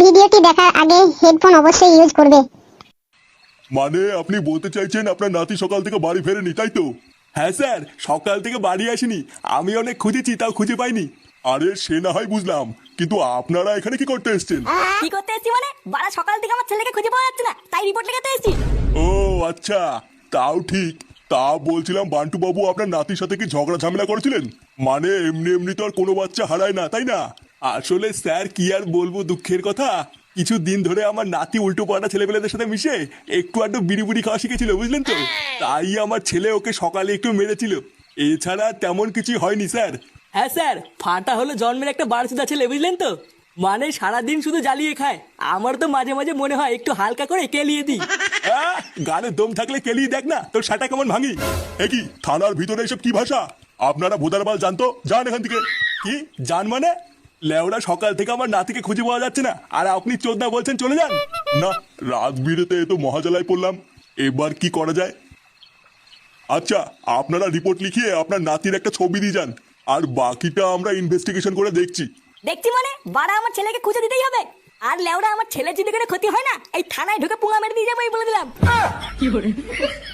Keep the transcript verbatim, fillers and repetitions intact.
ভিডিওটি দেখার আগে হেডফোন অবশ্যই ইউজ করবে। মানে আপনি বলতে চাইছেন আপনার নাতি সকাল থেকে বাড়ি ফেরেনি, তাই তো? হ্যাঁ স্যার, সকাল থেকে বাড়ি আসেনি। আমি অনেক খুঁজেছি, তাও খুঁজে পাইনি। আরে সে না হয় বুঝলাম, কিন্তু আপনারা এখানে কি করতে এসেছেন? কি করতে এসেছি মানে? বাড়া সকাল থেকে আমার ছেলেকে খুঁজে পাওয়া যাচ্ছে না, তাই রিপোর্ট লেখাতে এসেছি। ও আচ্ছা, তাও ঠিক। তা বলছিলাম বান্টু বাবু আপনার নাতির সাথে কি ঝগড়া ঝামেলা করেছিলেন? মানে এমনি এমনি তো আর কোনো বাচ্চা হারায় না, তাই না? আসলে স্যার কি আর বলবো দুঃখের কথা, কিছু দিন ধরে আমার নাতি উল্টো পাল্টা ছেলেপেলেদের সাথে মিশে একটু আধটু বিড়ি বুড়ি খাওয়া শিখেছিল, বুঝলেন তো? তাই আমার ছেলে ওকে সকালে একটু মেরেছিল। এছাড়া তেমন কিছু হয়নি স্যার। হ্যাঁ স্যার, ফাটা হলো জন্মের একটা বারোচোদা ছেলে, বুঝলেন তো? মানে সারাদিন শুধু জ্বালিয়ে খায়। আমার তো মাঝে মাঝে মনে হয় একটু হালকা করে কেলিয়ে দিই। আহ, গানে দম থাকলে কেলিয়ে দেখ না তোর সাটা কেমন ভাঙি। এ কি থানার ভিতরে এসব কি ভাষা? আপনারা ভোদারবাল জানতো, যান এখান থেকে। কি জান মানে? লেওরা সকাল থেকে আমার নাতিকে খুঁজে পাওয়া যাচ্ছে না, আর আপনি চোদনা বলছেন চলে যান? না, রাত বিরেতে এ তো মহাজালায় পড়লাম। এবার কি করা যায়? আচ্ছা, আপনারা রিপোর্ট লিখিয়ে আপনার নাতির একটা ছবি দিয়ে যান, আর বাকিটা আমরা ইনভেস্টিগেশন করে দেখছি। দেখছি মানে? বাড়া আমার ছেলেকে খুঁজে দিতেই হবে। আর লেওড়া আমার ছেলে যদি কোনো ক্ষতি হয় না, এই থানায় ঢুকে পুঙ্গা মেরে দিয়ে যাবো, এই বলে দিলাম।